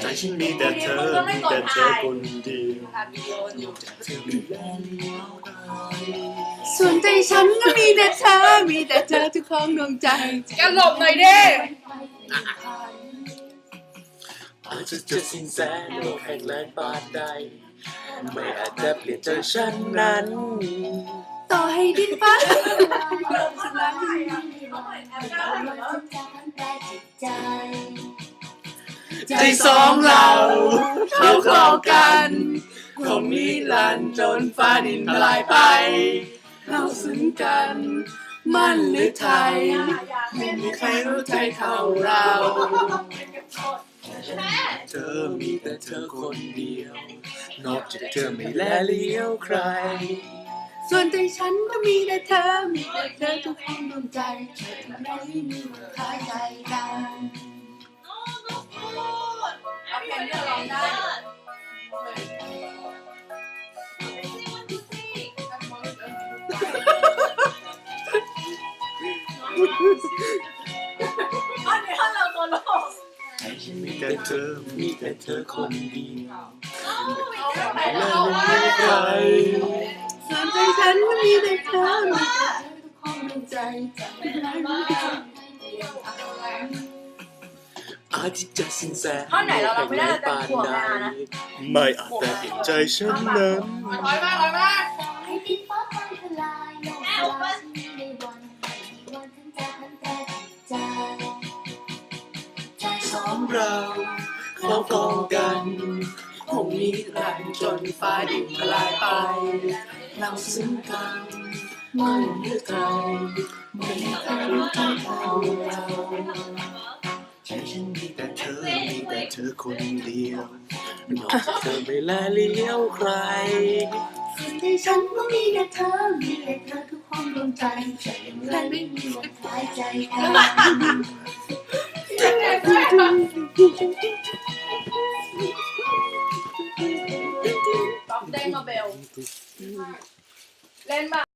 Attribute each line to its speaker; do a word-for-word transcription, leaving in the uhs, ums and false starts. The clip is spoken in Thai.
Speaker 1: ใจฉันมีแต่เธอมีแต่เธอคนเดียว
Speaker 2: ส่วนใจฉันก็มีแต่เธอมีแต่เธอทุกของดวงใจกันหลบหน่อยดิ
Speaker 1: อาจจะเจอสิ่งแสนโลกแห่งแรงปานใดไม่อาจจะเปลี่ยนใจฉันนั้น
Speaker 2: ต่อให้ดินฟ้าสลายใจสองเราเข้าคลอกันคงนิรันดร์จนฟ้าดินทลายไปเราซึ้งกันมั่นหรือไทยไม่มีใครรู้ใจเท่าเรา
Speaker 1: เธอมีแต่เธอคนเดียวนอกจากเธอไม่แลเลี้ยวใคร
Speaker 2: ส่วนใจฉันก็มีแต่เธอมีแต่เธอทุกห้องดวงใจเธอทำไมมีวันคล้ายใจกัน
Speaker 3: เอาเพลงที่เราร้องได้อันนี้เราตัวโลก
Speaker 1: มีแต่เธอมีแต่เธอคนเดียว
Speaker 3: ไม่
Speaker 1: แล
Speaker 3: ได้
Speaker 1: เลี้ยวใคร
Speaker 2: ส่วนใจฉันก็มีแต่เธอมีแต่เธอทุกห้องดวงใจจะไม่ได้ไม่ได้
Speaker 1: อาจจะสิ้นแสน
Speaker 3: ท่อนไหนเราเราไม่ได้เราจะถ่วงเวลานะ
Speaker 1: ไม่อาจแต่เห็นใจฉันนั้น
Speaker 3: ถอยมาถอยมา
Speaker 4: ให้ดินฟ้าพังทลายโลกลายในวันวันทั้งใจทั้งแต่ใจใจสองเรา
Speaker 2: เขากองกันคงนิรันดร์จนฟ้าดินทลายไปเราซึ้งกันมั่นหรือไกลไม่มีใครรู้ใจเท่าเรา
Speaker 1: ใจฉันมีแต่เธอมีแต่เธอคนเดียวนอกจากเธอไม่แลเลี้ยวใคร
Speaker 2: ส่วนใจฉันก็มีแต่เธอมีแต่เธอทุกห้องดวงใจใจใครไม่มีวันคล้ายใจกัน
Speaker 3: เต้นมาเบลเล่นมา